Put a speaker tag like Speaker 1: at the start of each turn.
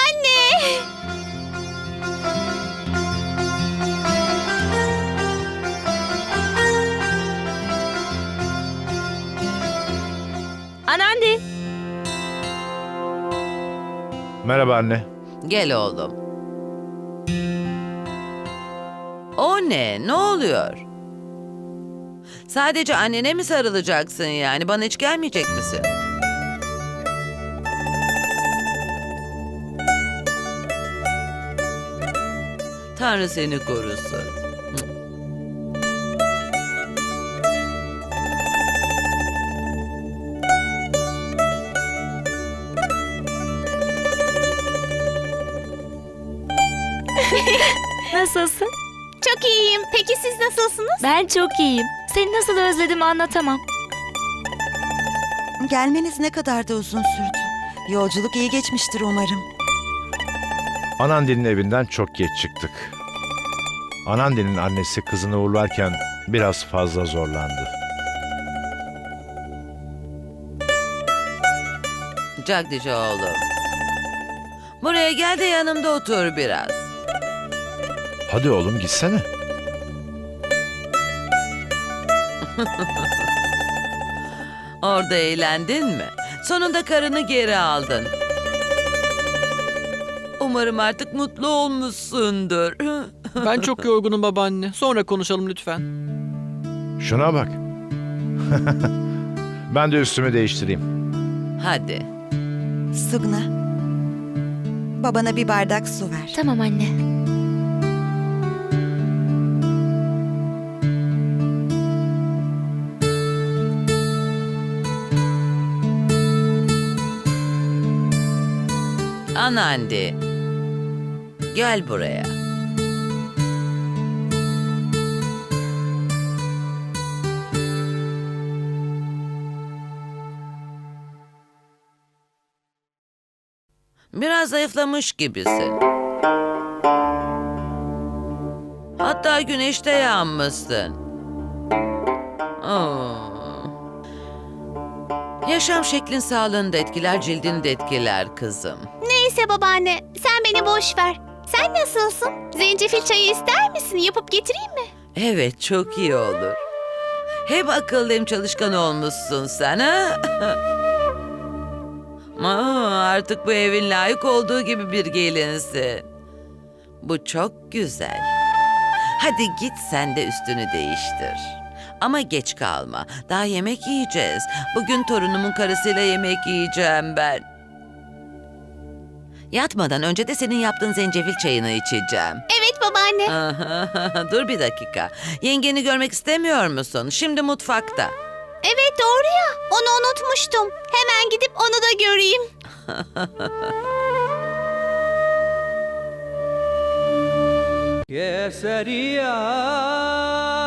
Speaker 1: Anne!
Speaker 2: Anandi.
Speaker 3: Merhaba anne.
Speaker 4: Gel oğlum. O ne? Ne oluyor? Sadece annene mi sarılacaksın yani? Bana hiç gelmeyecek misin? Tanrı seni korusun.
Speaker 2: Nasılsın?
Speaker 1: Çok iyiyim. Peki siz nasılsınız?
Speaker 2: Ben çok iyiyim. Seni nasıl özledim anlatamam.
Speaker 5: Gelmeniz ne kadar da uzun sürdü. Yolculuk iyi geçmiştir umarım.
Speaker 3: Anandi'nin evinden çok geç çıktık. Anandi'nin annesi kızını uğurlarken biraz fazla zorlandı.
Speaker 4: Jagdish oğlum. Buraya gel de yanımda otur biraz.
Speaker 3: Hadi oğlum gitsene.
Speaker 4: Orada eğlendin mi? Sonunda karını geri aldın. Umarım artık mutlu olmuşsundur.
Speaker 6: Ben çok yorgunum babaanne. Sonra konuşalım lütfen.
Speaker 3: Şuna bak. Ben de üstümü değiştireyim.
Speaker 4: Hadi.
Speaker 5: Sugna, babana bir bardak su ver.
Speaker 2: Tamam anne.
Speaker 4: Anandi. Gel buraya. Biraz zayıflamış gibisin. Hatta güneşte yanmışsın. Yaşam şeklin sağlığını da etkiler, cildini de etkiler kızım.
Speaker 1: Neyse babaanne, sen beni boş ver. Sen nasılsın? Zencefil çayı ister misin? Yapıp getireyim mi?
Speaker 4: Evet, çok iyi olur. Hem akıllı hem çalışkan olmuşsun sen ha? Artık bu evin layık olduğu gibi bir gelinsin. Bu çok güzel. Hadi git sen de üstünü değiştir. Ama geç kalma. Daha yemek yiyeceğiz. Bugün torunumun karısıyla yemek yiyeceğim ben. Yatmadan önce de senin yaptığın zencefil çayını içeceğim.
Speaker 1: Evet babaanne.
Speaker 4: Dur bir dakika. Yengeni görmek istemiyor musun? Şimdi mutfakta.
Speaker 1: Evet doğru ya. Onu unutmuştum. Hemen gidip onu da göreyim.
Speaker 7: Kesariya